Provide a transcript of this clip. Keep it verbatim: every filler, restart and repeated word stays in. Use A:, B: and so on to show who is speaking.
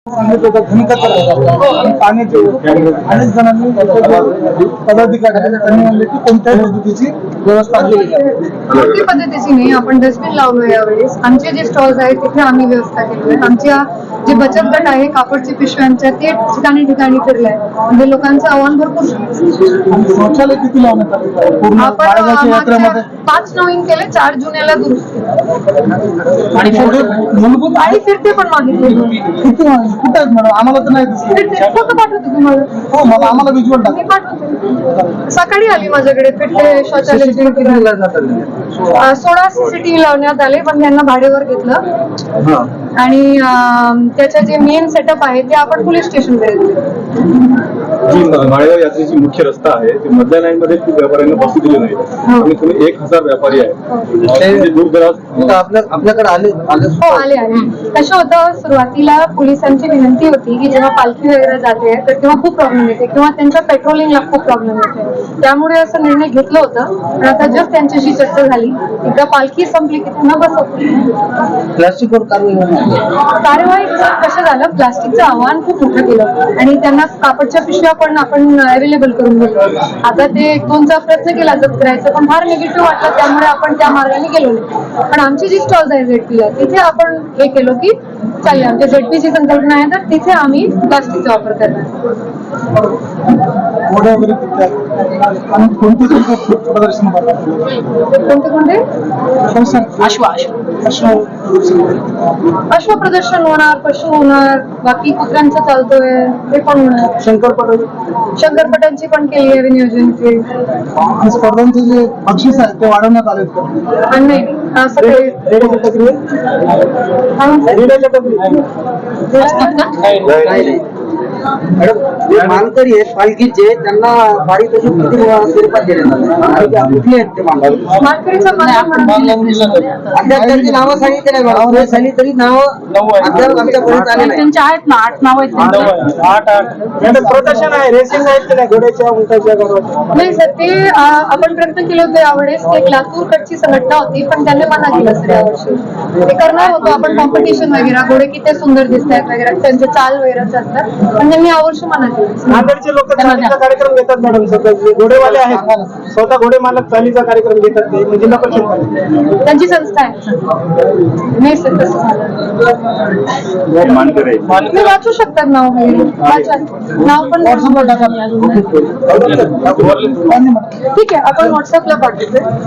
A: पाण्याचे अनेक जणांनी पदाधिकारी त्यांनी म्हणले की कोणत्याही पद्धतीची व्यवस्था केली आहे.
B: कोणती पद्धतीची नाही. आपण डस्टबिन लावलो यावेळेस. आमचे जे स्टॉल्स आहेत तिथे आम्ही व्यवस्था केली आहे. आमच्या जे बचत गट आहे कापडच्या पिशव्यांच्या ते ठिकाणी ठिकाणी फिरलाय. म्हणजे लोकांचं आव्हान भरपूर.
A: शौचालय किती लावण्यात आले पूर्ण
B: आपण
A: यात्रेमध्ये?
B: पाच नवीन केले, चार जुन्याला दुरुस्त.
A: आणि मूलभूत
B: आणि फिरते पण मागितले.
A: किती कुठे आहेत मॅडम? आम्हाला तर नाही दिसले.
B: फोटो पाठवते तुम्हाला.
A: हो, मला आम्हाला विज्युअल
B: मी पाठवते. सकाळी आली माझ्याकडे फिरते शौचालय. सोळा सीसीटीव्ही लावण्यात आले पण त्यांना भाडेवर घेतलं. आणि त्याच्या जे मेन सेटअप आहे ते आपण पोलीस स्टेशनकडे
C: जी माळेगाव यात्रेची मुख्य रस्ता आहे ते मधल्या लाईन मध्ये व्यापाऱ्यांना बसू दिले नाही. आणि तुम्ही एक हजार व्यापारी आहे दूरदराज
A: आपल्याकडे आले
B: हो आले आले. कसं होतं, सुरुवातीला पोलिसांची विनंती होती की जेव्हा पालखी वगैरे जाते तर तेव्हा खूप प्रॉब्लेम येते किंवा त्यांच्या पेट्रोलिंगला खूप प्रॉब्लेम येते. त्यामुळे असं निर्णय घेतला होता. पण आता जस्ट त्यांच्याशी चर्चा झाली. एकदा पालखी संपली की त्यांना बसवतो.
A: प्लास्टिकवर
B: कार्यवाही कसं झालं, प्लास्टिकचं आव्हान खूप मोठं केलं आणि त्यांना कापडच्या पिशव्या पण आपण अवेलेबल करून दिलो. आता ते एक दोनचा प्रयत्न केला जप्त करायचा पण फार निगेटिव्ह वाटलं त्यामुळे आपण त्या मार्गाने गेलो नाही. पण आमची जी स्टॉल्स आहे झेडपीला तिथे आपण हे केलो की चालेल, आमच्या झेडपीची संकल्पना आहे तर तिथे आम्ही प्लास्टिकचा वापर करणार.
A: कोणते प्रदर्शन
B: कोणते कोणते अश्व अश्व प्रदर्शन होणार, पशु होणार, बाकी कुत्र्यांचं चालतोय ते पण होणार.
A: शंकरपट
B: शंकरपटांची पण केली आहे नियोजनची.
A: स्पर्धांचे जे बक्षीस आहे ते वाढवण्यात आले.
B: आणि नाही असं काही
D: मानकरी आहेत पालखीचे, त्यांना पारितोषिक किती स्वरूपात देण्यात आले? कुठले आहेत ते मानकरी?
B: मानकरीचं
D: अद्याप त्यांची नावं सांगितली नाही मॅडम. झाली तरी नावं अद्याप आमच्यापर्यंत आले नाही.
B: त्यांच्या आहेत ना, आठ नाव आहेत.
A: आठ आठ प्रदर्शन आहे, रेसिंग आहेत की नाही घोड्याच्या उंटाच्या गरुडाच्या?
B: नाही सर, ते आ, आपण प्रयत्न केले होते यावेळेस. एक लातूरकडची संघटना होती पण त्यांनी मना केलं सर यावर्षी. ते करणार होतो आपण कॉम्पिटिशन वगैरे, घोडे किती सुंदर दिसत आहेत वगैरे, त्यांचे चाल वगैरे असतात पण त्यांनी यावर्षी मना केलं.
A: नांदेडचे लोक चालीचा कार्यक्रम घेतात मॅडम. स्वतः घोडेवाले आहेत, स्वतः घोडे मालक चालीचा कार्यक्रम घेतात. ते म्हणजे जिल्हा परिषद
B: त्यांची संस्था आहे. नाही सर तसं तुम्ही वाचू शकतात नाव वगैरे. वाचा नाव पण ठीक आहे, आपण व्हॉट्सअपला पाठवतो.